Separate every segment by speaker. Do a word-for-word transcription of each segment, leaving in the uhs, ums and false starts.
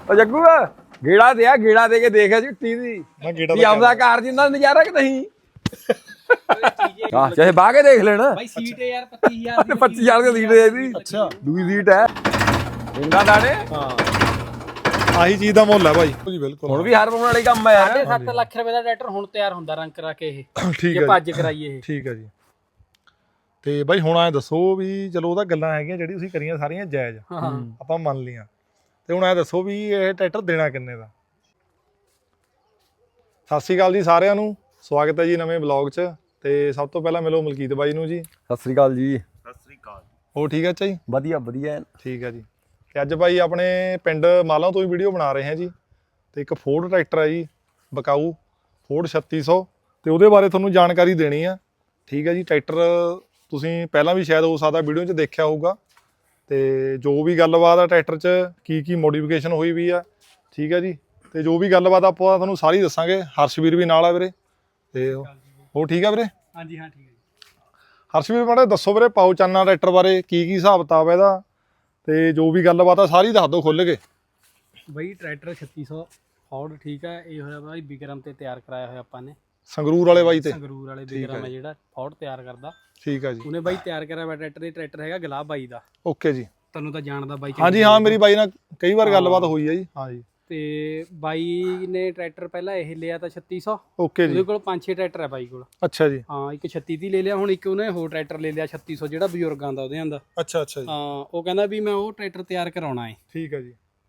Speaker 1: ਉਹ ਜੱਗੂ ਗੇੜਾ ਦੇ ਆ ਗੇੜਾ ਦੇ ਕੇ ਦੇਖਿਆ ਚਿੱਟੀ ਦੀ
Speaker 2: ਮੈਂ ਗੇੜਾ
Speaker 1: ਵੀ ਆਪਦਾ ਕਾਰ ਜਿੰਨਾ ਨਜ਼ਾਰਾ ਕਿ ਨਹੀਂ ਹਾਂ ਚਾਹੇ ਬਾਹ ਕੇ ਦੇਖ ਲੈਣਾ
Speaker 3: ਬਾਈ ਸੀਟ ਹੈ ਯਾਰ ਪੱਚੀ ਹਜ਼ਾਰ ਦੀ
Speaker 1: ਪੱਚੀ ਹਜ਼ਾਰ ਦੀ ਸੀਟ ਹੈ ਇਹਦੀ
Speaker 2: ਅੱਛਾ
Speaker 1: ਦੂਜੀ ਸੀਟ ਹੈ ਇਹਨਾਂ ਦਾਣੇ
Speaker 2: ਹਾਂ ਆਹੀ ਚੀਜ਼ ਦਾ ਮੁੱਲ ਹੈ ਭਾਈ ਜੀ ਬਿਲਕੁਲ
Speaker 1: ਹੁਣ ਵੀ ਹਾਰ ਪਾਉਣ ਵਾਲੀ ਕੰਮ ਹੈ ਯਾਰ
Speaker 3: ਸੱਤ ਲੱਖ ਰੁਪਏ ਦਾ ਟਰੈਕਟਰ ਹੁਣ ਤਿਆਰ ਹੁੰਦਾ ਰੰਗ ਕਰਾ ਕੇ ਇਹ
Speaker 2: ਠੀਕ
Speaker 3: ਜੇ
Speaker 2: ਹੈ
Speaker 3: ਭੱਜ ਕਰਾਈਏ ਇਹ
Speaker 2: ਠੀਕ ਹੈ ਜੀ ਤੇ ਬਾਈ ਹੁਣ ਐ ਦੱਸੋ ਵੀ ਚਲੋ ਉਹਦਾ ਗੱਲਾਂ ਹੈਗੀਆਂ ਜਿਹੜੀ ਤੁਸੀਂ ਕਰੀਆਂ ਸਾਰੀਆਂ ਜਾਇਜ਼
Speaker 3: ਹਾਂ
Speaker 2: ਆਪਾਂ ਮੰਨ ਲਈਆਂ ਤੇ ਹੁਣ ਐ ਦੱਸੋ ਵੀ ਇਹ ਟਰੈਕਟਰ ਦੇਣਾ ਕਿੰਨੇ ਦਾ। ਸਤਿ ਸ਼੍ਰੀ ਅਕਾਲ ਜੀ ਸਾਰਿਆਂ ਨੂੰ, ਸਵਾਗਤ ਹੈ ਜੀ ਨਵੇਂ ਬਲੌਗ 'ਚ। ਤੇ ਸਭ ਤੋਂ ਪਹਿਲਾਂ ਮਿਲੋ ਮਲਕੀਤ ਬਾਈ ਨੂੰ ਜੀ।
Speaker 1: ਸਤਿ ਸ੍ਰੀ ਅਕਾਲ ਜੀ।
Speaker 4: ਸਤਿ ਸ੍ਰੀ ਅਕਾਲ।
Speaker 2: ਹੋਰ ਠੀਕ ਹੈ ਅੱਛਾ ਜੀ?
Speaker 1: ਵਧੀਆ ਵਧੀਆ
Speaker 2: ਠੀਕ ਹੈ ਜੀ। ਤੇ ਅੱਜ ਬਾਈ ਆਪਣੇ ਪਿੰਡ ਮਾਲਾਂ ਤੋਂ ਹੀ ਵੀਡੀਓ ਬਣਾ ਰਹੇ ਹਾਂ ਜੀ। ਤੇ ਇੱਕ ਫੋਰਡ ਟਰੈਕਟਰ ਹੈ ਜੀ ਬਕਾਊ ਫੋਰਡ ਛੱਤੀ ਸੌ, ਤੇ ਉਹਦੇ ਬਾਰੇ ਤੁਹਾਨੂੰ ਜਾਣਕਾਰੀ ਦੇਣੀ ਆ। ਠੀਕ ਹੈ ਜੀ। ਟਰੈਕਟਰ ਤੁਸੀਂ ਪਹਿਲਾਂ ਵੀ ਸ਼ਾਇਦ ਹੋ ਸਕਦਾ ਵੀਡੀਓ 'ਚ ਦੇਖਿਆ ਹੋਊਗਾ, ਤੇ ਜੋ ਵੀ ਗੱਲਬਾਤ ਆ ਟਰੈਕਟਰ 'ਚ ਕੀ ਕੀ ਮੋਡੀਫਿਕੇਸ਼ਨ ਹੋਈ ਵੀ ਆ, ਠੀਕ ਹੈ ਜੀ। ਤੇ ਜੋ ਵੀ ਗੱਲਬਾਤ ਆਪਾਂ ਤੁਹਾਨੂੰ ਸਾਰੀ ਦੱਸਾਂਗੇ। ਹਰਸ਼ਵੀਰ ਵੀ ਨਾਲ ਆ ਵੀਰੇ। ਤੇ ਉਹ ਠੀਕ ਆ ਵੀਰੇ?
Speaker 3: ਹਾਂਜੀ ਹਾਂ ਠੀਕ ਹੈ ਜੀ।
Speaker 2: ਹਰਸ਼ਵੀਰ ਮਾੜਾ ਦੱਸੋ ਵੀਰੇ ਪਾਓ ਚਾਨਾ ਟਰੈਕਟਰ ਬਾਰੇ, ਕੀ ਕੀ ਹਿਸਾਬ ਕਿਤਾਬ ਇਹਦਾ, ਤੇ ਜੋ ਵੀ ਗੱਲਬਾਤ ਆ ਸਾਰੀ ਦੱਸ ਦਿਓ ਖੁੱਲ੍ਹ ਕੇ।
Speaker 3: ਬਾਈ ਟਰੈਕਟਰ ਛੱਤੀ ਸੌ ਫੋਰਡ ਠੀਕ ਹੈ। ਇਹ ਹੋਇਆ ਬਾਈ ਵਿਕਰਮ ਤੇ ਤਿਆਰ ਕਰਾਇਆ ਹੋਇਆ ਆਪਾਂ ਨੇ,
Speaker 2: ਸੰਗਰੂਰ ਵਾਲੇ ਬਾਈ ਤੇ
Speaker 3: ਸੰਗਰੂਰ ਵਾਲੇ ਵਿਕਰਮ ਹੈ ਜਿਹੜਾ ਫੋਰਡ ਤਿਆਰ ਕਰਦਾ।
Speaker 2: ਠੀਕ ਆ ਜੀ।
Speaker 3: ਉਹਨੇ ਬਾਈ ਤਿਆਰ ਕਰਿਆ ਹੋਇਆ ਟਰੈਕਟਰ। ਇਹ ਟਰੈਕਟਰ ਹੈਗਾ ਗੁਲਾਬ ਬਾਈ ਦਾ।
Speaker 2: ਓਕੇ ਜੀ।
Speaker 3: ਤੁਹਾਨੂੰ ਤਾਂ ਜਾਣਦਾ ਬਾਈ।
Speaker 2: ਹਾਂਜੀ ਹਾਂ ਮੇਰੀ ਬਾਈ ਨਾਲ ਕਈ ਵਾਰ ਗੱਲਬਾਤ ਹੋਈ ਹੈ ਜੀ। ਹਾਂ ਜੀ।
Speaker 3: ਤੇ ਬਾਈ ਨੇ ਟਰੈਕਟਰ ਪਹਿਲਾਂ ਇਹ ਲਿਆ ਤਾਂ ਛੱਤੀ ਸੌ।
Speaker 2: ਓਕੇ ਜੀ।
Speaker 3: ਉਹਦੇ ਕੋਲ ਪੰਜ ਛੇ ਟਰੈਕਟਰ ਹੈ ਬਾਈ ਕੋਲ।
Speaker 2: ਅੱਛਾ ਜੀ।
Speaker 3: ਹਾਂ ਇੱਕ ਛੱਤੀ ਦੀ ਲੈ ਲਿਆ, ਹੁਣ ਇੱਕ ਉਹਨੇ ਹੋਰ ਟਰੈਕਟਰ ਲੈ ਲਿਆ ਛੱਤੀ ਸੌ ਜਿਹੜਾ ਬਜ਼ੁਰਗਾਂ ਦਾ ਉਹਦੇ ਆਂਦਾ।
Speaker 2: ਅੱਛਾ ਅੱਛਾ ਜੀ।
Speaker 3: ਹਾਂ ਉਹ ਕਹਿੰਦਾ ਵੀ ਮੈਂ ਉਹ ਟਰੈਕਟਰ ਤਿਆਰ ਕਰਾਉਣਾ ਹੈ।
Speaker 2: ਠੀਕ ਹੈ ਜੀ।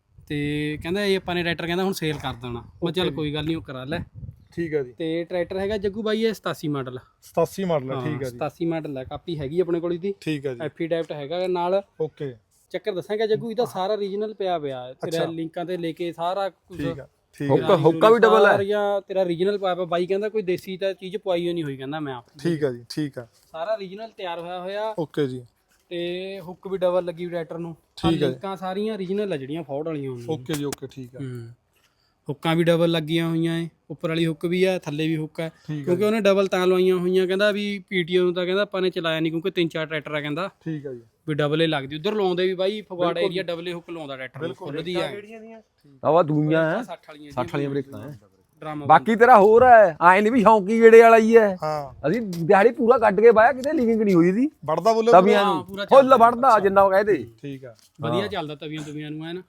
Speaker 3: ਤੇ ਕਹਿੰਦਾ ਇਹ ਆਪਾਂ ਨੇ ਟਰੈਕਟਰ ਕਹਿੰਦਾ ਹੁਣ ਸੇਲ ਕਰ ਦੇਣਾ। ਮੈਂ ਚੱਲ ਕੋਈ ਗੱਲ ਨਹੀਂ ਉਹ ਕਰਾ ਲੈ।
Speaker 2: ਠੀਕ ਹੈ ਜੀ।
Speaker 3: ਤੇ ਟਰੈਕਟਰ ਹੈਗਾ ਜੱਗੂ ਬਾਈ ਇਹ ਸਤਾਸੀ ਮਾਡਲ।
Speaker 2: ਸਤਾਸੀ ਮਾਡਲ ਹੈ। ਠੀਕ ਹੈ ਜੀ।
Speaker 3: ਸਤਾਸੀ ਮਾਡਲ ਹੈ। ਕਾਪੀ ਹੈਗੀ ਆਪਣੇ ਕੋਲ ਇਹਦੀ।
Speaker 2: ਠੀਕ ਹੈ ਜੀ।
Speaker 3: ਐਫੀਡੈਵਿਟ ਹੈਗਾ ਨਾਲ।
Speaker 2: ਓਕੇ।
Speaker 3: ਚੱਕਰ ਦੱਸਾਂਗਾ ਜੱਗੂ ਇਹਦਾ ਸਾਰਾ ਰੀਜਨਲ ਪਿਆ ਪਿਆ ਤੇਰਾ ਲਿੰਕਾਂ ਤੇ ਲੈ ਕੇ ਸਾਰਾ ਕੁਝ।
Speaker 2: ਠੀਕ ਹੈ। ਠੀਕ
Speaker 1: ਹੁੱਕਾ ਹੁੱਕਾ ਵੀ ਡਬਲ ਹੈ
Speaker 3: ਜਾਂ ਤੇਰਾ ਰੀਜਨਲ ਪਾਇਆ ਪਿਆ। ਬਾਈ ਕਹਿੰਦਾ ਕੋਈ ਦੇਸੀ ਤਾਂ ਚੀਜ਼ ਪਵਾਈ ਨਹੀਂ ਹੋਈ ਕਹਿੰਦਾ ਮੈਂ ਆਪ।
Speaker 2: ਠੀਕ ਹੈ ਜੀ। ਠੀਕ ਹੈ।
Speaker 3: ਸਾਰਾ ਰੀਜਨਲ ਤਿਆਰ ਹੋਇਆ ਹੋਇਆ।
Speaker 2: ਓਕੇ ਜੀ।
Speaker 3: ਤੇ ਹੁੱਕ ਵੀ ਡਬਲ ਲੱਗੀ ਟਰੈਕਟਰ ਨੂੰ।
Speaker 2: ਠੀਕ ਹੈ।
Speaker 3: ਲਿੰਕਾਂ ਸਾਰੀਆਂ ਰੀਜਨਲ ਆ ਜਿਹੜੀਆਂ ਫੋਰਡ ਵਾਲੀਆਂ ਹੁੰਦੀਆਂ।
Speaker 2: ਓਕੇ ਜੀ। ਓਕੇ ਠੀਕ ਹੈ।
Speaker 3: ਹੂੰ ਹੁੱਕਾਂ ਵੀ ਡਬਲ ਲੱਗੀਆਂ ਹੋਈਆਂ ਏ। ਉੱਪਰ ਵਾਲੀ ਹੁੱਕ ਵੀ ਆ, ਥੱਲੇ ਵੀ ਹੁੱਕ ਹੈ। ਕਿਉਂਕਿ ਉਹਨੇ ਡਬਲ ਤਾਂ ਲਵਾਈਆਂ ਹੋਈਆਂ। ਕਹਿੰਦਾ ਵੀ ਪੀਟੀਓ ਨੂੰ ਤਾਂ ਕਹਿੰਦਾ ਆਪਾਂ ਨੇ ਚਲਾਇਆ ਨਹੀਂ ਕਿਉਂਕਿ ਤਿੰਨ ਚਾਰ ਟਰੈਕਟਰ ਆ ਕਹਿੰਦਾ
Speaker 2: ਠੀਕ ਹੈ ਜੀ।
Speaker 3: ਵੀ ਡਬਲ ਏ ਲੱਗਦੀ। ਉਧਰ ਲਾਉਂਦੇ ਵੀ ਬਾਈ ਫਗਵਾੜਾ ਏਰੀਆ ਡਬਲ ਏ ਹੁੱਕ ਲਾਉਂਦਾ ਟਰੈਕਟਰ ਖੁੱਲਦੀ ਆ।
Speaker 1: ਆਵਾ ਦੂਈਆਂ ਹੈ
Speaker 3: ਸੱਠ ਵਾਲੀਆਂ
Speaker 1: ਸੱਠ ਵਾਲੀਆਂ ਬ੍ਰੇਕਾਂ ਹੈ।
Speaker 3: ਡਰਾਮਾ
Speaker 1: ਬਾਕੀ ਤੇਰਾ ਹੋਰ ਹੈ ਆਏ ਨਹੀਂ ਵੀ ਸ਼ੌਂਕੀ ਗੇੜੇ ਵਾਲਾ ਹੀ ਹੈ।
Speaker 2: ਹਾਂ
Speaker 1: ਅਸੀਂ ਦਿਹਾੜੀ ਪੂਰਾ ਕੱਢ ਕੇ ਬਾਇਆ ਕਿਤੇ ਲੀਵਿੰਗ ਨਹੀਂ ਹੋਈ ਦੀ
Speaker 2: ਵੜਦਾ ਬੋਲੇ
Speaker 1: ਤਵੀਆਂ ਨੂੰ ਫੁੱਲ ਵੜਦਾ ਜਿੰਨਾ ਕਹਦੇ।
Speaker 2: ਠੀਕ ਆ
Speaker 3: ਵਧੀਆ ਚੱਲਦਾ ਤਵੀਆਂ ਤਵੀਆਂ ਨੂੰ ਹੈ ਨਾ।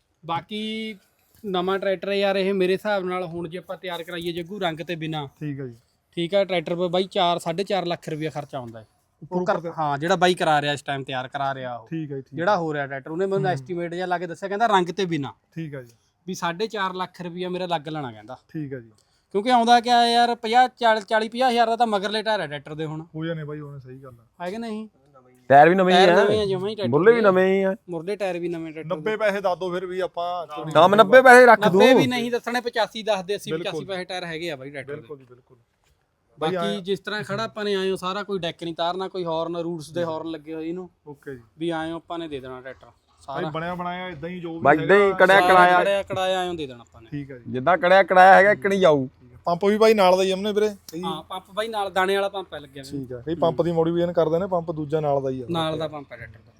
Speaker 3: ਬਾਕੀ ਨਵਾਂ ਟਰੈਕਟਰ ਯਾਰ ਇਹ ਮੇਰੇ ਹਿਸਾਬ ਨਾਲ ਹੁਣ ਜੇ ਆਪਾਂ ਤਿਆਰ ਕਰਾਈਏ ਜੱਗੂ ਰੰਗ ਤੇ ਬਿਨਾ।
Speaker 2: ਠੀਕ ਆ ਜੀ।
Speaker 3: ਠੀਕ ਆ ਟਰੈਕਟਰ 'ਤੇ ਬਾਈ ਚਾਰ ਸਾਢੇ ਚਾਰ ਲੱਖ ਰੁਪਇਆ ਖਰਚਾ ਆਉਂਦਾ ਹੈ। ਹਾਂ ਜਿਹੜਾ ਬਾਈ ਕਰਾ ਰਿਹਾ ਇਸ ਟਾਈਮ ਤਿਆਰ ਕਰਾ ਰਿਹਾ ਉਹ।
Speaker 2: ਠੀਕ ਹੈ ਜੀ।
Speaker 3: ਜਿਹੜਾ ਹੋ ਰਿਹਾ ਟਰੈਕਟਰ ਉਹਨੇ ਮੈਨੂੰ ਐਸਟੀਮੇਟ ਜਿਹਾ ਲਾ ਕੇ ਦੱਸਿਆ ਕਹਿੰਦਾ ਰੰਗ ਤੇ ਬਿਨਾ
Speaker 2: ਠੀਕ ਆ ਜੀ।
Speaker 3: ਵੀ ਸਾਢੇ ਚਾਰ ਲੱਖ ਰੁਪਇਆ ਮੇਰਾ ਲੱਗ ਲੈਣਾ ਕਹਿੰਦਾ।
Speaker 2: ਠੀਕ ਆ ਜੀ।
Speaker 3: ਕਿਉਂਕਿ ਆਉਂਦਾ ਕਿਆ ਯਾਰ ਪੰਜਾਹ ਚਾਲੀ ਪੰਜਾਹ ਹਜ਼ਾਰ ਦਾ ਤਾਂ ਮਗਰਲੇ ਟਾਇਰ ਹੈ ਟਰੈਕਟਰ ਦੇ ਹੁਣ।
Speaker 2: ਹੋ ਜਾਣੇ ਬਾਈ ਉਹਨੇ ਸਹੀ ਗੱਲ ਆ।
Speaker 3: ਹੈ ਕਿ ਨਹੀਂ?
Speaker 1: ਟਾਇਰ ਵੀ ਨਵੇਂ ਹੀ
Speaker 3: ਟਾਇਰ
Speaker 1: ਆ
Speaker 3: ਨਵੇਂ ਆ ਜਮਾਂ ਹੀ ਟਰੈਕਟਰ
Speaker 1: ਮੁੱਲੇ ਵੀ ਨਵੇਂ ਹੀ ਆ।
Speaker 3: ਮੁਰਲੇ ਟਾਇਰ ਵੀ ਨਵੇਂ ਟਰੈਕਟਰ
Speaker 2: ਨੱਬੇ ਪੈਸੇ ਦੱਸ ਦੋ ਫਿਰ ਵੀ ਆਪਾਂ।
Speaker 1: ਹਾਂ ਮੈਂ ਨੱਬੇ ਪੈਸੇ ਰੱਖ ਦੂੰ।
Speaker 3: ਨੱਬੇ ਵੀ ਨਹੀਂ ਦੱਸਣੇ ਪਚਾਸੀ ਦੱਸਦੇ ਅੱਸੀ ਪਚਾਸੀ ਪੈਸੇ ਟਾਇਰ ਹੈਗੇ ਆ ਬਾਈ ਟਰੈਕਟਰ ਦੇ।
Speaker 2: ਬਿਲਕੁਲ ਜੀ ਬਿਲਕੁਲ।
Speaker 3: ਬਾਕੀ ਜਿਸ ਤਰ੍ਹਾਂ ਖੜਾ ਆਪਾਂ ਨੇ ਆਇਓ ਸਾਰਾ ਕੋਈ ਡੈਕ ਨਹੀਂ ਤਾਰਨਾ, ਕੋਈ ਹਾਰਨ ਰੂਟਸ ਦੇ ਹਾਰਨ ਲੱਗੇ ਹੋਏ ਇਹਨੂੰ।
Speaker 2: ਓਕੇ ਜੀ।
Speaker 3: ਵੀ ਆਇਓ ਆਪਾਂ ਨੇ ਦੇ ਦੇਣਾ ਟਰੈਕਟਰ ਸਾਰਾ
Speaker 2: ਭਾਈ ਬਣਿਆ ਬਣਾਇਆ ਇਦਾਂ ਹੀ ਜੋ ਵੀ
Speaker 1: ਬਾਈ ਇਦਾਂ ਹੀ ਕੜਿਆ ਕਰਾਇਆ
Speaker 3: ਕੜਿਆ ਕੜਾਇਆ ਆਇਓ ਦੇ ਦੇਣਾ ਆਪਾਂ ਨੇ।
Speaker 2: ਠੀਕ ਆ ਜੀ।
Speaker 1: ਜਿੱਦਾਂ ਕੜਿਆ ਕੜਾਇਆ ਹੈਗਾ ਇੱਕ ਨਹੀਂ ਜਾਊ।
Speaker 2: ਪੰਪ ਵੀ ਬਾਈ ਨਾਲ ਦਾ ਹੀ ਹਮਨੇ ਵੀਰੇ।
Speaker 3: ਹਾਂ ਪੰਪ ਬਾਈ ਨਾਲ ਦਾਣੇ ਵਾਲਾ ਪੰਪ ਹੈ ਲੱਗਿਆ ਹੋਇਆ।
Speaker 2: ਠੀਕ ਆ। ਇਹ ਪੰਪ ਦੀ ਮੋਡੀਫਿਕੇਸ਼ਨ ਕਰਦੇ ਨੇ, ਪੰਪ ਦੂਜਾ ਨਾਲ ਦਾ ਹੀ ਆ।
Speaker 3: ਨਾਲ ਦਾ ਪੰਪ ਹੈ ਟਰੈਕਟਰ ਦਾ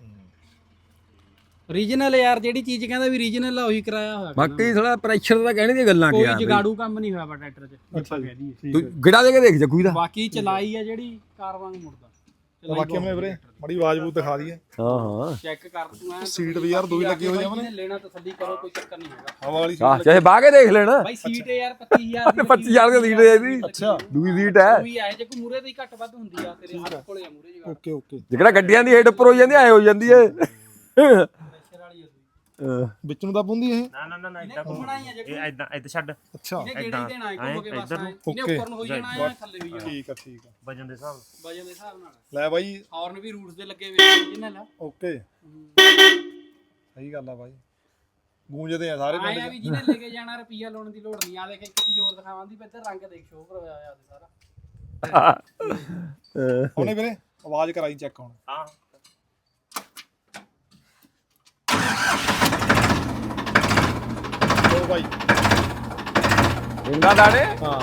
Speaker 3: ਰੀਜਨਲ ਯਾਰ। ਜਿਹੜੀ ਚੀਜ਼ ਕਹਿੰਦਾ ਵੀ ਰੀਜਨਲ ਆ ਉਹੀ ਕਰਾਇਆ ਹੋਇਆ।
Speaker 1: ਬਾਕੀ ਥੋੜਾ ਪ੍ਰੈਸ਼ਰ ਦਾ ਕਹਿਣੇ ਦੀਆਂ ਗੱਲਾਂ
Speaker 3: ਕੋਈ
Speaker 1: ਕਿਹਾ
Speaker 3: ਜਗਾੜੂ ਕੰਮ ਨਹੀਂ ਹੋਇਆ ਬਾ ਟਰੈਕਟਰ 'ਚ ਆਪਾਂ ਕਹਿ ਦਈਏ।
Speaker 1: ਤੂੰ ਗਿੜਾ ਦੇ ਕੇ ਦੇਖ ਜੱਗੂ ਦਾ।
Speaker 3: ਬਾਕੀ ਚਲਾਈ ਆ ਜਿਹੜੀ ਕਾਰ ਵਾਂਗ ਮੁੜਦਾ।
Speaker 2: ਬਾਕੀ ਹਮਨੇ ਵੀਰੇ ਮਾੜੀ ਆਵਾਜ਼ ਬੂਤ ਦਿਖਾ ਦਈਏ।
Speaker 1: ਹਾਂ ਹਾਂ
Speaker 3: ਚੈੱਕ ਕਰ ਤੂੰ ਐ
Speaker 2: ਸੀਟ ਵੀ ਯਾਰ ਦੋ ਹੀ ਲੱਗੀ ਹੋਈ ਆ ਹਮਨੇ।
Speaker 3: ਲੈਣਾ ਤਸੱਲੀ ਕਰੋ ਕੋਈ ਚੱਕਰ ਨਹੀਂ ਹੈਗਾ।
Speaker 2: ਹਵਾ ਵਾਲੀ
Speaker 1: ਹਾਂ ਚਾਹੇ ਬਾਹ ਕੇ ਦੇਖ ਲੈਣਾ
Speaker 3: ਬਾਈ ਸੀਟ ਹੈ ਯਾਰ ਪੱਚੀ ਹਜ਼ਾਰ ਦੀ।
Speaker 1: ਪੱਚੀ ਹਜ਼ਾਰ ਦੀ ਸੀਟ ਹੈ ਇਹਦੀ।
Speaker 2: ਅੱਛਾ
Speaker 1: ਦੂਜੀ ਸੀਟ ਹੈ।
Speaker 3: ਕੋਈ ਆਏ ਜੇ ਕੋਈ ਮੂਰੇ ਦੀ ਘੱਟ ਵੱਧ ਹੁੰਦੀ ਆ ਤੇਰੇ ਹੱਥ ਕੋਲੇ ਆ ਮੂਰੇ ਜਗਾ।
Speaker 2: Okay okay.
Speaker 1: ਜਿਹੜਾ ਗੱਡੀਆਂ ਦੀ ਹੇਡ ਉੱਪਰ ਹੋ ਜਾਂਦੀ ਐ ਹੋ ਜਾਂਦੀ ਐ।
Speaker 3: ਪ੍ਰੈਸ਼ਰ ਵਾਲੀ ਆ
Speaker 2: ਵਿੱਚ ਨੂੰ ਤਾਂ ਪੁੰਦੀ ਇਹ।
Speaker 4: ਨਾ ਨਾ ਨਾ ਨਾ ਇਦਾਂ
Speaker 3: ਘੁੰਮਣਾ ਹੀ ਆ ਜੇ
Speaker 4: ਇਹ ਇਦਾਂ ਇਦਾਂ ਛੱਡ
Speaker 2: ਅੱਛਾ
Speaker 3: ਇਹਨੇ ਗੇੜੇ ਹੀ ਦੇਣਾ ਹੈ ਘੁੰਮ ਕੇ ਬਸ ਆਏ। ਇਹਨੇ
Speaker 2: ਓਕੇ।
Speaker 3: ਉੱਪਰ ਨੂੰ ਹੋਈ ਜਾਣਾ ਹੈ ਥੱਲੇ ਹੋਈ ਜਾਣਾ।
Speaker 2: ਠੀਕ ਆ ਠੀਕ ਆ।
Speaker 4: ਵਜਨ ਦੇ ਹਿਸਾਬ
Speaker 3: ਵਜਨ ਦੇ ਹਿਸਾਬ ਨਾਲ
Speaker 2: ਲੈ ਬਾਈ
Speaker 3: ਹਾਰਨ ਵੀ ਰੂਟਸ ਦੇ ਲੱਗੇ ਹੋਏ original ਆ।
Speaker 2: ਓਕੇ ਸਹੀ ਗੱਲ ਆ ਬਾਈ। ਗੂੰਜਦੇ ਆ ਸਾਰੇ ਪਿੰਡ
Speaker 3: ਆਇਆ ਵੀ ਜਿਹਨੇ ਲੈ ਕੇ ਜਾਣਾ ਰੁਪਈਆ ਲਾਉਣ ਦੀ ਲੋੜ ਨਹੀਂ। ਆ ਦੇਖ ਇੱਕ ਚੀਜ਼ ਹੋਰ ਦਿਖਾਵਾਂ ਦੀ ਇੱਧਰ ਰੰਗ ਦੇਖ ਸ਼ੋਅ ਕਰਵਾਇਆ ਹੋਇਆ ਤੇ ਸਾਰਾ।
Speaker 2: ਉਹਨੇ ਵੀਰੇ ਆਵਾਜ਼ ਕਰਾਈ ਚੈੱਕ ਹੁਣ।
Speaker 4: ਹਾਂ
Speaker 2: ਲੋ ਬਾਈ
Speaker 1: ਇੰਦਾ ਦਾਣੇ
Speaker 2: ਹਾਂ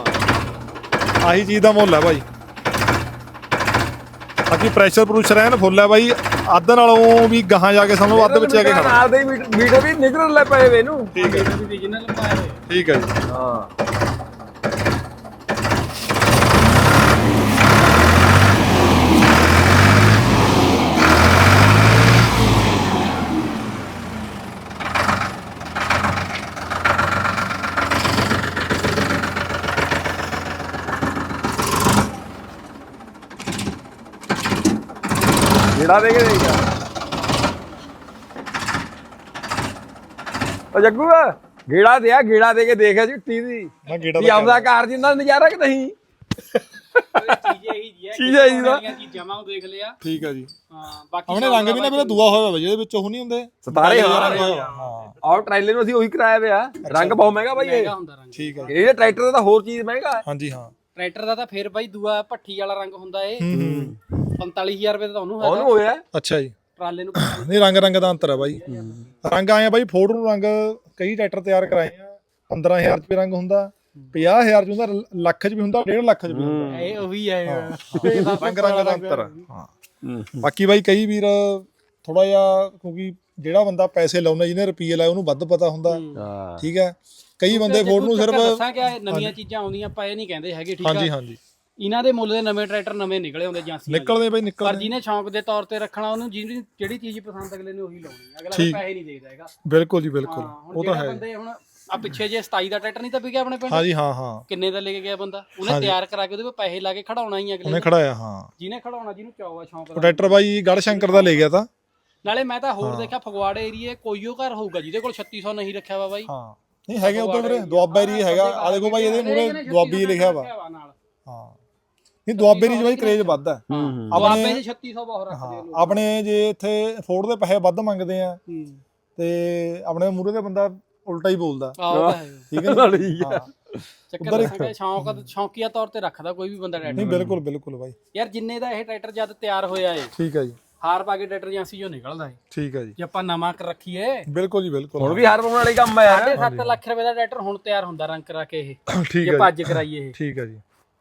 Speaker 2: ਆਹੀ ਚੀਜ਼ ਦਾ ਮੁੱਲ ਹੈ ਬਾਈ। ਬਾਕੀ ਪ੍ਰੈਸ਼ਰ ਪ੍ਰੂਸ਼ਰ ਐਨ ਫੁੱਲ ਹੈ ਬਾਈ। ਅੱਧ ਨਾਲੋਂ ਵੀ ਗਾਹਾਂ ਜਾ ਕੇ ਸਾਨੂੰ ਅੱਧ ਵਿੱਚ ਜਾ ਕੇ ਖੜਾ।
Speaker 1: ਨਾਲ ਦੇ ਮੀਟਰ ਵੀ ਨਿਕਲਣ ਲੈ ਪਏ ਵੇ ਇਹਨੂੰ।
Speaker 2: ਠੀਕ ਹੈ
Speaker 3: ਵੀ original ਪਾਇਆ ਹੋਇਆ।
Speaker 2: ਠੀਕ ਹੈ ਜੀ।
Speaker 1: ਹਾਂ ਗੇੜਾ ਦੇ ਕੇ ਦੇਖ ਯਾਰ। ਉਹ ਜੱਗੂ ਗੇੜਾ ਦੇ ਆ ਗੇੜਾ ਦੇ ਕੇ ਦੇਖਿਆ ਚਿੱਟੀ ਦੀ
Speaker 2: ਮੈਂ ਗੇੜਾ
Speaker 1: ਵੀ ਆਪਦਾ ਕਾਰ ਜਿੰਦਾ ਨਜ਼ਾਰਾ ਕਿ ਨਹੀਂ।
Speaker 3: ਚੀਜ਼ ਇਹੀ ਜੀ ਹੈ
Speaker 1: ਚੀਜ਼ ਇਹੀ ਦਾ।
Speaker 3: ਚੀਜ਼ਾਂ ਮੈਂ ਉਹ ਦੇਖ ਲਿਆ।
Speaker 2: ਠੀਕ ਹੈ ਜੀ।
Speaker 3: ਹਾਂ ਬਾਕੀ
Speaker 2: ਆਪਣੇ ਰੰਗ ਵੀ ਨਾ ਮੇਰਾ ਦੂਆ ਹੋਇਆ ਵਾ ਜਿਹਦੇ ਵਿੱਚ ਉਹ ਨਹੀਂ ਹੁੰਦੇ
Speaker 1: ਸਤਾਰੇ
Speaker 2: ਰੰਗ
Speaker 1: ਹਾਂ
Speaker 2: ਹੋਇਆ ਵਾ। ਹਾਂ
Speaker 1: ਔਰ ਟ੍ਰੇਲਰ ਨੂੰ ਅਸੀਂ ਉਹੀ ਕਰਾਇਆ ਪਿਆ। ਰੰਗ ਬਹੁਤ ਮਹਿੰਗਾ ਬਾਈ ਇਹ।
Speaker 3: ਮਹਿੰਗਾ ਹੁੰਦਾ ਰੰਗ।
Speaker 2: ਠੀਕ ਹੈ ਜੀ।
Speaker 1: ਇਹ ਟਰੈਕਟਰ ਦਾ ਤਾਂ ਹੋਰ ਚੀਜ਼ ਮਹਿੰਗਾ ਹੈ।
Speaker 2: ਹਾਂਜੀ ਹਾਂ।
Speaker 3: ਟਰੈਕਟਰ ਦਾ ਤਾਂ ਫੇਰ ਬਾਈ ਦੂਆ ਭੱਠੀ ਵਾਲਾ ਰੰਗ ਹੁੰਦਾ ਏ।
Speaker 2: ਹੂੰ
Speaker 3: ਪੰਤਾਲੀ ਹਜ਼ਾਰ ਰੁਪਏ ਤਾਂ ਉਹਨੂੰ
Speaker 1: ਉਹਨੂੰ
Speaker 3: ਹੈਗਾ
Speaker 1: ਹੋਇਆ
Speaker 2: ਅੱਛਾ ਜੀ।
Speaker 3: ਟਰਾਲੇ ਨੂੰ।
Speaker 2: ਨਹੀਂ ਰੰਗ ਰੰਗ ਦਾ ਅੰਤਰ ਹੈ ਬਾਈ। ਰੰਗ ਆਏ ਆ ਬਾਈ ਫੋਰਡ ਨੂੰ ਰੰਗ ਕਈ ਟਰੈਕਟਰ ਤਿਆਰ ਕਰਾਏ ਆ ਪੰਦਰਾਂ ਹਜ਼ਾਰ ਚ ਵੀ ਰੰਗ ਹੁੰਦਾ, ਪੰਜਾਹ ਹਜ਼ਾਰ ਚ ਹੁੰਦਾ, ਲੱਖ ਚ ਵੀ ਹੁੰਦਾ, ਡੇਢ ਲੱਖ ਚ ਵੀ ਹੁੰਦਾ।
Speaker 3: ਇਹ ਉਹੀ ਹੈ
Speaker 2: ਰੰਗ ਰੰਗ ਦਾ ਅੰਤਰ ਹੈ। ਹਾਂ ਬਾਕੀ ਬਾਈ ਕਈ ਵੀਰ ਥੋੜਾ ਜਿਹਾ ਕਿਉਂਕਿ ਜਿਹੜਾ ਬੰਦਾ ਪੈਸੇ ਲਾਉਣਾ ਜਿਹਨੇ ਰੁਪਈਏ ਲਾਏ ਉਹਨੂੰ ਵੱਧ ਪਤਾ ਹੁੰਦਾ।
Speaker 1: ਹਾਂ
Speaker 2: ਠੀਕ ਹੈ ਕਈ ਬੰਦੇ ਫੋਰਡ ਨੂੰ ਸਿਰਫ
Speaker 3: ਦੱਸਾਂ ਕਿ ਨਵੀਆਂ ਚੀਜ਼ਾਂ ਆਉਂਦੀਆਂ ਆਪਾਂ ਇਹ ਨਹੀਂ ਕਹਿੰਦੇ ਹੈਗੇ ਠੀਕ ਆ।
Speaker 2: ਹਾਂਜੀ ਹਾਂਜੀ
Speaker 3: ਇਹਨਾਂ ਦੇ ਮੁੱਲ ਦੇ ਨਵੇਂ ਟਰੈਕਟਰ ਨਵੇਂ ਨਿਕਲੇ ਹੁੰਦੇ ਏਜੰਸੀਆਂ
Speaker 2: ਨਿਕਲਦੇ ਬਾਈ
Speaker 3: ਪਰ
Speaker 2: ਨਿਕਲਦੇ
Speaker 3: ਜਿਹਨੇ ਸ਼ੌਂਕ ਦੇ ਤੌਰ ਤੇ ਰੱਖਣਾ ਉਹਨੂੰ ਜਿਹੜੀ ਜਿਹੜੀ ਚੀਜ਼ ਪਸੰਦ ਅਗਲੇ ਨੇ ਉਹੀ ਲਾਉਣੀ ਹੈ। ਅਗਲਾ ਕੋਈ ਪੈਸੇ ਨਹੀਂ ਦੇਖਦਾ ਹੈਗਾ।
Speaker 2: ਬਿਲਕੁਲ ਜੀ ਬਿਲਕੁਲ
Speaker 3: ਹਾਂ, ਹੁਣ
Speaker 2: ਉਹ ਤਾਂ
Speaker 3: ਜਿਹੜਾ
Speaker 2: ਹੈ।
Speaker 3: ਬੰਦੇ ਹੁਣ ਆ ਪਿੱਛੇ ਜੇ ਸਤਾਈ ਦਾ ਟਰੈਕਟਰ ਨਹੀਂ ਤਾਂ ਵਿਕਿਆ ਆਪਣੇ ਪਿੰਡ
Speaker 2: ਹਾਂਜੀ ਹਾਂ ਹਾਂ
Speaker 3: ਕਿੰਨੇ ਦਾ ਲੈ ਕੇ ਗਿਆ ਬੰਦਾ ਉਹਨੇ ਤਿਆਰ ਕਰਾ ਕੇ ਉਹਦੇ ਕੋਲ ਪੈਸੇ ਲਾ ਕੇ ਖੜਾਉਣਾ ਹੀ ਅਗਲੇ
Speaker 2: ਉਹਨੇ
Speaker 3: ਨੇ।
Speaker 2: ਖੜਾਇਆ ਹਾਂ।
Speaker 3: ਜਿਹਨੇ ਖੜਾਉਣਾ ਜਿਹਨੂੰ ਚਾਅ ਆ ਸ਼ੌਂਕ ਦਾ।
Speaker 2: ਟਰੈਕਟਰ ਬਾਈ ਗੜ ਸ਼ੰਕਰ ਦਾ ਲੈ ਗਿਆ ਤਾਂ।
Speaker 3: ਨਾਲੇ ਮੈਂ ਤਾਂ ਹੋਰ ਦੇਖਿਆ ਫਗਵਾੜੇ ਏਰੀਏ ਕੋਈਓ ਘਰ ਹੋਊਗਾ ਜਿਹਦੇ ਕੋਲ ਛੱਤੀ ਸੌ ਨਹੀਂ ਰੱਖਿਆ ਵਾ ਬਾਈ।
Speaker 2: ਹਾਂ ਨਹੀਂ ਹੈਗੇ ਉਧਰ ਵੀਰੇ ਦੁਆਬਾ ਏਰੀਆ ਹੈਗਾ ਆ ਦੇਖੋ ਬਾਈ ਇਹਦੇ ਮੂਰੇ ਦੁਆਬੀ ਲਿਖਿਆ ਵਾ।
Speaker 3: ਨਾਲ
Speaker 2: ਹਾਂ ਨਹੀਂ ਦੁਆਬੇ ਏਰੀਆ 'ਚ ਬਾਈ ਕਰੇਜ ਵੱਧ ਹੈ।
Speaker 3: ਦੁਆਬੇ ਦੇ ਛੱਤੀ ਸੌ ਬਹੁਤ ਰੱਖਦੇ ਆ ਲੋਕ।
Speaker 2: ਆਪਣੇ ਜੇ ਇੱਥੇ ਫੋਰਡ ਦੇ ਪੈਸੇ ਵੱਧ ਮੰਗਦੇ ਆ
Speaker 3: ਹੂੰ
Speaker 2: ਤੇ ਆਪਣੇ ਮੂਰੇ ਦੇ ਬੰਦਾ ਉਲਟਾ ਹੀ ਬੋਲਦਾ।
Speaker 3: ਆਹ ਹੈ
Speaker 2: ਠੀਕ ਹੈ ਨਾ?
Speaker 1: ਠੀਕ
Speaker 2: ਹਾਂ
Speaker 3: ਚੱਕਰ ਦੱਸਾਂਗੇ ਸ਼ੌਂਕ ਸ਼ੌਂਕੀਆ ਤੌਰ ਤੇ ਰੱਖਦਾ ਕੋਈ ਵੀ ਬੰਦਾ
Speaker 2: ਨਹੀਂ
Speaker 3: ਟਰੈਕਟਰ।
Speaker 2: ਬਿਲਕੁਲ ਬਿਲਕੁਲ ਬਾਈ
Speaker 3: ਯਾਰ ਜਿੰਨੇ ਦਾ ਇਹ ਟਰੈਕਟਰ ਜਦ ਤਿਆਰ ਹੋਇਆ ਏ
Speaker 2: ਠੀਕ ਹੈ ਜੀ।
Speaker 3: ਹਾਰ ਪਾ ਕੇ ਟਰੈਕਟਰ ਏਜੰਸੀ ਚੋਂ ਨਿਕਲਦਾ ਏ।
Speaker 2: ਠੀਕ ਹੈ ਜੀ
Speaker 3: ਜੇ ਆਪਾਂ ਨਵਾਂ ਕਰ ਰੱਖੀਏ
Speaker 2: ਬਿਲਕੁਲ ਜੀ ਬਿਲਕੁਲ
Speaker 1: ਹੁਣ ਵੀ ਹਾਰ ਪਾਉਣ ਵਾਲੀ ਕੰਮ ਹੈ ਯਾਰ।
Speaker 3: ਸਾਢੇ ਸੱਤ ਲੱਖ ਰੁਪਏ ਦਾ ਟਰੈਕਟਰ ਹੁਣ ਤਿਆਰ ਹੁੰਦਾ ਰੰਗ ਕਰਾ ਕੇ ਇਹ
Speaker 2: ਠੀਕ
Speaker 3: ਜੇ
Speaker 2: ਹੈ
Speaker 3: ਭੱਜ ਕਰਾਈਏ ਇਹ।
Speaker 2: ਠੀਕ ਹੈ ਜੀ।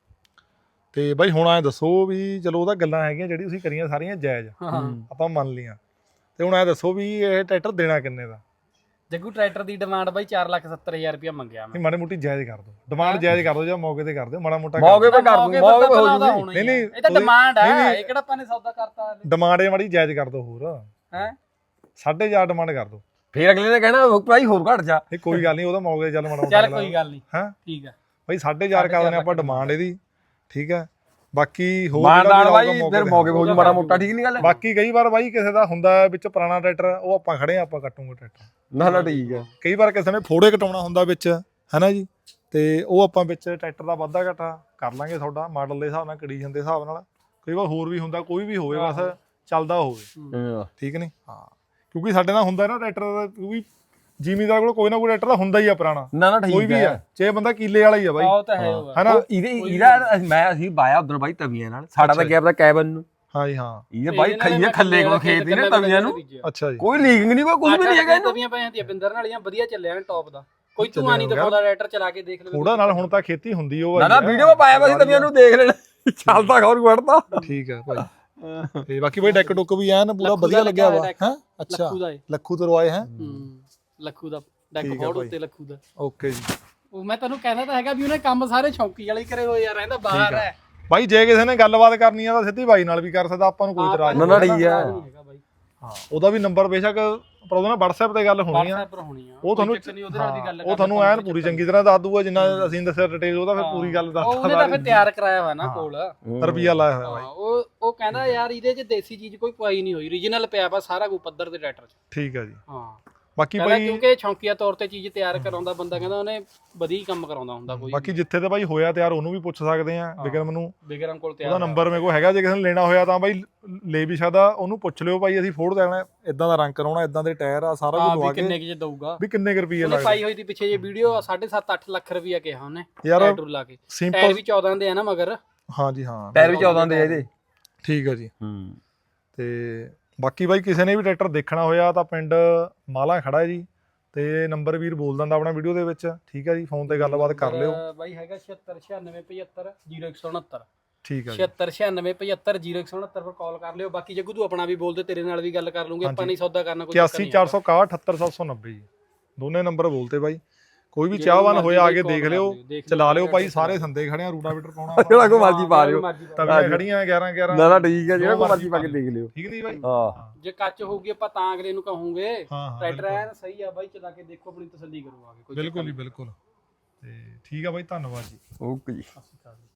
Speaker 2: ਤੇ ਬਾਈ ਹੁਣ ਐ ਦੱਸੋ ਵੀ ਚਲੋ ਉਹਦਾ ਗੱਲਾਂ ਹੈਗੀਆਂ ਜਿਹੜੀ ਤੁਸੀਂ ਕਰੀਆਂ ਸਾਰੀਆਂ ਜਾਇਜ਼
Speaker 3: ਹਾਂ
Speaker 2: ਆਪਾਂ ਮੰਨ ਲਈਆਂ ਤੇ ਹੁਣ ਐ ਦੱਸੋ ਵੀ ਇਹ ਟਰੈਕਟਰ ਦੇਣਾ ਕਿੰਨੇ ਦਾ?
Speaker 3: ਜੱਗੂ ਟਰੈਕਟਰ ਦੀ ਡਿਮਾਂਡ ਬਾਈ ਚਾਰ ਲੱਖ ਸੱਤਰ ਹਜ਼ਾਰ ਰੁਪਇਆ ਮੰਗਿਆ ਮੈਂ।
Speaker 2: ਨਹੀਂ ਮਾੜੀ ਮੋਟੀ ਜਾਇਜ਼ ਕਰ ਦਿਓ ਡਿਮਾਂਡ ਜਾਇਜ਼ ਕਰ ਦਿਓ ਜਾਂ ਮੌਕੇ ਤੇ ਕਰ ਦਿਓ ਮਾੜਾ ਮੋਟਾ
Speaker 1: ਮੌਕੇ ਤੇ ਕਰ ਦੂੰ ਮੌਕੇ ਤੇ ਹੋ ਜੂਗੀ।
Speaker 2: ਨਹੀਂ ਨਹੀਂ
Speaker 3: ਇਹ ਤਾਂ ਡਿਮਾਂਡ ਹੈ ਇਹ ਕਿਹੜਾ ਆਪਾਂ ਨੇ ਸੌਦਾ ਕਰਤਾ
Speaker 2: ਡਿਮਾਂਡ ਇਹ ਮਾੜੀ ਜਾਇਜ਼ ਕਰ ਦਿਓ ਹੋਰ
Speaker 3: ਹੈ
Speaker 2: ਸਾਢੇ ਚਾਰ ਡਿਮਾਂਡ ਕਰ ਦਿਓ।
Speaker 1: ਫੇਰ ਅਗਲੇ ਨੇ ਕਹਿਣਾ ਭਾਈ ਹੋਰ ਘਟ ਜਾ।
Speaker 2: ਇਹ ਕੋਈ ਗੱਲ ਨਹੀਂ ਉਹਦਾ ਮੌਕੇ ਤੇ ਚੱਲ ਮਾੜਾ
Speaker 3: ਚੱਲ ਕੋਈ ਗੱਲ ਨਹੀਂ
Speaker 2: ਹਾਂ
Speaker 3: ਠੀਕ ਆ
Speaker 2: ਬਾਈ ਸਾਢੇ ਚਾਰ ਕਰ ਦਿੰਦੇ ਆਪਾਂ ਡਿਮਾਂਡ ਇਹਦੀ ਠੀਕ ਹੈ। ਬਾਕੀ ਹੋਰ
Speaker 1: ਮਾਨਦਾਰ ਬਾਈ ਫਿਰ ਮੌਕੇ ਹੋ ਜੂ ਮਾੜਾ ਮੋਟਾ ਠੀਕ ਨਹੀਂ ਗੱਲ।
Speaker 2: ਬਾਕੀ ਕਈ ਵਾਰ ਬਾਈ ਕਿਸੇ ਦਾ ਹੁੰਦਾ ਵਿੱਚ ਪੁਰਾਣਾ ਟਰੈਕਟਰ ਉਹ ਆਪਾਂ ਖੜੇ ਆ ਆਪਾਂ ਕੱਟੂਗੇ ਟਰੈਕਟਰ
Speaker 1: ਨਾ ਨਾ ਠੀਕ ਹੈ।
Speaker 2: ਕਈ ਵਾਰ ਕਿਸੇ ਨੇ ਫੋੜੇ ਕਟਾਉਣਾ ਹੁੰਦਾ ਵਿੱਚ ਹੈਨਾ ਜੀ ਤੇ ਉਹ ਆਪਾਂ ਵਿੱਚ ਟਰੈਕਟਰ ਦਾ ਵਾਧਾ ਘਾਟਾ ਕਰ ਲਾਂਗੇ ਤੁਹਾਡਾ ਮਾਡਲ ਦੇ ਹਿਸਾਬ ਨਾਲ ਕੰਡੀਸ਼ਨ ਦੇ ਹਿਸਾਬ ਨਾਲ। ਕਈ ਵਾਰ ਹੋਰ ਵੀ ਹੁੰਦਾ ਕੋਈ ਵੀ ਹੋਵੇ ਬਸ ਚੱਲਦਾ ਹੋਵੇ ਠੀਕ ਨਹੀਂ ਹਾਂ ਕਿਉਂਕਿ ਸਾਡੇ ਨਾਲ ਹੁੰਦਾ ਨਾ ਟਰੈਕਟਰ ਦਾ ਕਿਉਂਕਿ ਜ਼ਿਮੀਦਾਰ ਕੋਲ ਕੋਈ ਨਾ ਕੋਈ ਟਰੈਕਟਰ ਦਾ ਹੁੰਦਾ ਹੀ ਆ ਪੁਰਾਣਾ
Speaker 1: ਨਾ ਨਾ ਠੀਕ
Speaker 2: ਕੋਈ ਵੀ ਆ ਚਾਹੇ ਬੰਦਾ ਕੀਲੇ ਵਾਲਾ ਹੀ ਆ ਬਾਈ
Speaker 3: ਉਹ ਤਾਂ ਹੈ ਉਹ
Speaker 2: ਹੈਨਾ।
Speaker 1: ਇਹਦੇ ਇਹਦਾ ਮੈਂ ਅਸੀਂ ਬਾਇਆ ਉਧਰ ਬਾਈ ਤਵੀਆਂ ਨਾਲ ਸਾਡਾ ਤਾਂ ਗਿਆ ਪਤਾ ਕੈਬਨ ਨੂੰ
Speaker 2: ਹਾਂਜੀ ਹਾਂ
Speaker 1: ਇਹ ਬਾਈ ਖਈਏ ਖੱਲੇ ਕੋਲ ਖੇਤ ਨੇ ਤਵੀਆਂ ਨੂੰ
Speaker 2: ਅੱਛਾ ਜੀ
Speaker 1: ਕੋਈ ਲੀਕਿੰਗ ਨਹੀਂ ਕੋਈ ਕੁਝ ਵੀ ਨਹੀਂ ਹੈਗਾ ਇਹਨੂੰ।
Speaker 3: ਤਵੀਆਂ ਪਈਆਂ ਹੁੰਦੀਆਂ ਬਿੰਦਰ ਵਾਲੀਆਂ ਵਧੀਆ ਚੱਲਿਆ ਨੇ ਟੌਪ ਦਾ ਕੋਈ ਧੂਆਂ ਨਹੀਂ ਦਿਖਾਉਂਦਾ ਟਰੈਕਟਰ ਚਲਾ ਕੇ ਦੇਖ ਲਓ
Speaker 2: ਥੋੜਾ ਨਾਲ ਹੁਣ ਤਾਂ ਖੇਤੀ ਹੁੰਦੀ ਉਹ
Speaker 1: ਨਾ ਨਾ ਵੀਡੀਓ ਪਾਇਆ ਵਾ ਸੀ ਤਵੀਆਂ ਨੂੰ ਦੇਖ ਲੈਣਾ ਚੱਲਦਾ ਖੌਰ ਵੜਦਾ।
Speaker 2: ਠੀਕ ਹੈ ਭਾਈ ਤੇ ਬਾਕੀ ਬਾਈ ਡੈਕ ਡੁੱਕ ਵੀ ਐਨ ਪੂਰਾ ਵਧੀਆ ਲੱਗਿਆ ਵਾ ਹੈ ਅੱਛਾ
Speaker 3: ਲੱਖੂ ਦਾ ਏ
Speaker 2: ਲੱਖੂ ਤਰਵਾਏ ਹੈ
Speaker 3: ਹੂੰ ਲੱਖੂ ਦਾ ਡੈਕ ਫੋੜ ਉੱਤੇ ਲੱਖੂ ਦਾ।
Speaker 2: ਓਕੇ ਜੀ
Speaker 3: ਉਹ ਮੈਂ ਤੁਹਾਨੂੰ ਕਹਿੰਦਾ ਤਾਂ ਹੈਗਾ ਵੀ ਉਹਨੇ ਕੰਮ ਸਾਰੇ ਸ਼ੌਂਕੀ ਵਾਲੇ ਹੀ ਕਰੇ ਹੋਏ ਆ ਰਹਿੰਦਾ ਬਾਹਰ ਹੈ।
Speaker 2: ਬਾਈ ਜੇ ਕਿਸੇ ਨੇ ਗੱਲਬਾਤ ਕਰਨੀ ਆ ਤਾਂ ਸਿੱਧੀ ਬਾਈ ਨਾਲ ਵੀ ਕਰ ਸਕਦਾ ਆਪਾਂ ਨੂੰ ਕੋਈ ਇਤਰਾਜ਼
Speaker 1: ਨਾ ਨਾ ਠੀਕ ਆ।
Speaker 2: ਹਾਂ ਉਹਦਾ ਵੀ ਨੰਬਰ ਬੇਸ਼ੱਕ ਪਰ ਉਹਦਾ ਨਾ WhatsApp ਤੇ ਗੱਲ ਹੋਣੀ ਆ
Speaker 3: WhatsApp ਪਰ ਹੋਣੀ ਆ
Speaker 2: ਉਹ ਤੁਹਾਨੂੰ
Speaker 3: ਉਹਦੇ ਨਾਲ ਦੀ ਗੱਲ
Speaker 2: ਉਹ ਤੁਹਾਨੂੰ ਐਨ ਪੂਰੀ ਚੰਗੀ ਤਰ੍ਹਾਂ ਦੱਸ ਦੂਗਾ ਜਿੰਨਾ ਅਸੀਂ ਦੱਸਿਆ ਡਿਟੇਲ ਉਹਦਾ ਫਿਰ ਪੂਰੀ ਗੱਲ ਦੱਸ
Speaker 3: ਉਹਨੇ ਤਾਂ ਫਿਰ ਤਿਆਰ ਕਰਾਇਆ ਹੋਇਆ ਨਾ ਕੋਲ
Speaker 2: ਰੁਪਿਆ ਲਾਇਆ ਹੋਇਆ ਬਾਈ
Speaker 3: ਉਹ ਉਹ ਕਹਿੰਦਾ ਯਾਰ ਇਹਦੇ 'ਚ ਦੇਸੀ ਚੀਜ਼ ਕੋਈ ਪਾਈ ਨਹੀਂ ਹੋਈ ਓਰੀਜਨਲ ਪਿਆ ਵਾ ਸਾਰਾ ਕੁਝ ਪੱਧਰ ਤੇ ਟਰੈਕਟਰ 'ਚ।
Speaker 2: ਠੀਕ ਆ ਜੀ
Speaker 3: ਹਾਂ
Speaker 2: ਬਾਕੀ
Speaker 3: ਕਹਿੰਦਾ
Speaker 2: ਬਾਈ
Speaker 3: ਕਿਉਂਕਿ ਸ਼ੌਂਕੀਆ ਤੌਰ ਤੇ ਚੀਜ਼ ਤਿਆਰ ਕਰਾਉਂਦਾ ਬੰਦਾ ਕਹਿੰਦਾ ਉਹਨੇ ਵਧੀਆ ਕੰਮ ਕਰਾਉਂਦਾ ਹੁੰਦਾ ਕੋਈ
Speaker 2: ਬਾਕੀ ਜਿੱਥੇ ਤੇ ਬਾਈ ਹੋਇਆ ਤਿਆਰ ਉਹਨੂੰ ਵੀ ਪੁੱਛ ਸਕਦੇ ਆ ਵਿਕਰਮ ਨੂੰ
Speaker 3: ਬਿਗਰਮ ਕੋਲ
Speaker 2: ਉਹਦਾ
Speaker 3: ਤਿਆਰ
Speaker 2: ਨੰਬਰ ਮੇਰੇ ਕੋਲ ਹੈਗਾ ਜੇ ਕਿਸੇ ਨੇ ਲੈਣਾ ਹੋਇਆ ਤਾਂ ਬਾਈ ਲੈ ਵੀ ਸਕਦਾ ਉਹਨੂੰ ਪੁੱਛ ਲਿਓ ਭਾਈ ਅਸੀਂ ਫੋੜ ਦੇਣਾ ਇਦਾਂ ਦਾ ਰੰਗ ਕਰਾਉਣਾ ਇਦਾਂ ਦੇ ਟਾਇਰ ਆ ਸਾਰਾ ਕੁਝ ਲਵਾ
Speaker 3: ਵੀ
Speaker 2: ਕੇ
Speaker 3: ਕਿੰਨੇ ਕਿ ਦਊਗਾ
Speaker 2: ਵੀ ਕਿੰਨੇ ਕੁ ਰੁਪਏ
Speaker 3: ਉਹਨੇ
Speaker 2: ਲੱਗਦੇ
Speaker 3: ਪਾਈ ਹੋਈ ਦੀ ਪਿੱਛੇ ਜੇ ਵੀਡੀਓ ਸਾਢੇ ਸੱਤ ਅੱਠ ਲੱਖ ਰੁਪਇਆ ਕਿਹਾ ਉਹਨੇ
Speaker 2: ਯਾਰ
Speaker 3: ਟਾਇਰ ਲਾ ਕੇ ਟਾਇਰ
Speaker 2: ਸਿੰਪਲ
Speaker 3: ਵੀ ਚੌਦਾਂ ਦੇ ਆ ਨਾ ਮਗਰ
Speaker 2: ਹਾਂਜੀ ਹਾਂ
Speaker 1: ਟਾਇਰ ਵੀ ਚੌਦਾਂ ਦੇ ਇਹਦੇ।
Speaker 2: ਠੀਕ ਆ ਜੀ
Speaker 1: ਹੂੰ
Speaker 2: ਤੇ ਬਾਕੀ ਬਾਈ ਕਿਸੇ ਨੇ ਵੀ ਟਰੈਕਟਰ ਦੇਖਣਾ ਹੋਇਆ ਤਾਂ ਪਿੰਡ ਮਾਲਾ ਖੜਾ ਹੈ ਜੀ ਤੇ ਨੰਬਰ ਵੀਰ ਬੋਲ ਦਿੰਦਾ ਆਪਣਾ ਵੀਡੀਓ ਦੇ ਵਿੱਚ ਠੀਕ ਹੈ ਜੀ ਫੋਨ ਤੇ ਗੱਲਬਾਤ ਕਰ ਲਿਓ
Speaker 3: ਬਾਈ ਹੈਗਾ ਛਿਅੱਤਰ ਛਿਆਨਵੇਂ ਪਝੱਤਰ ਜ਼ੀਰੋ ਇੱਕ ਸੌ ਉਣਹੱਤਰ
Speaker 2: ਠੀਕ ਆ ਜੀ
Speaker 3: ਛਿਅੱਤਰ ਛਿਆਨਵੇਂ ਪਝੱਤਰ ਜ਼ੀਰੋ ਇੱਕ ਸੌ ਉਣੱਤਰ ਪਰ ਕਾਲ ਕਰ ਲਿਓ। ਬਾਕੀ ਜੱਗੂ ਤੂੰ ਆਪਣਾ ਵੀ ਬੋਲ ਦੇ, ਤੇਰੇ ਨਾਲ ਵੀ ਗੱਲ ਕਰ ਲੂੰਗੇ ਆਪਾਂ, ਨਹੀਂ ਸੌਦਾ ਕਰਨਾ ਕੋਈ ਚੱਕਰ
Speaker 2: ਇਕਿਆਸੀ
Speaker 3: ਨਹੀਂ
Speaker 2: ਚਾਰ ਸੌ ਇਕਾਹਠ ਅਠੱਤਰ ਸੱਤ ਸੌ ਨੱਬੇ ਜੀ ਦੋਨੇ ਨੰਬਰ ਬੋਲਤੇ ਬਾਈ। ਕੋਈ ਵੀ ਚਾਹਵਾਨ ਹੋਇਆ ਆ ਕੇ ਦੇਖ ਲਿਓ, ਚਲਾ ਲਿਓ ਭਾਈ। ਸਾਰੇ ਸੰਦੇ ਖੜੇ ਆ, ਰੂਟਾਵੀਟਰ ਪਾਉਣਾ
Speaker 1: ਜਿਹੜਾ ਕੋ ਮਰਜੀ ਪਾ ਲਿਓ।
Speaker 2: ਤਵੀਆਂ ਖੜੀਆਂ ਗਿਆਰਾਂ ਗਿਆਰਾਂ।
Speaker 1: ਨਾ ਨਾ ਠੀਕ ਹੈ, ਜਿਹੜਾ ਕੋ ਮਰਜੀ ਪਾ ਕੇ ਦੇਖ ਲਿਓ।
Speaker 2: ਠੀਕ ਨਹੀਂ ਬਾਈ?
Speaker 1: ਹਾਂ
Speaker 3: ਜੇ ਕੱਚ ਹੋਊਗੀ ਆਪਾਂ ਤਾਂ ਅਗਲੇ ਨੂੰ ਕਹੂੰਗੇ
Speaker 2: ਹਾਂ ਹਾਂ
Speaker 3: ਟਰੈਕਟਰ ਐਨ ਸਹੀ ਆ ਬਾਈ, ਚਲਾ ਕੇ ਦੇਖੋ, ਆਪਣੀ ਤਸੱਲੀ ਕਰੋ ਆ ਕੇ। ਕੋਈ
Speaker 2: ਬਿਲਕੁਲ ਜੀ ਬਿਲਕੁਲ। ਤੇ ਠੀਕ ਆ ਬਾਈ, ਧੰਨਵਾਦ ਜੀ।
Speaker 1: ਓਕੇ ਜੀ।
Speaker 3: ਚੱਕਰ ਨਹੀਂ।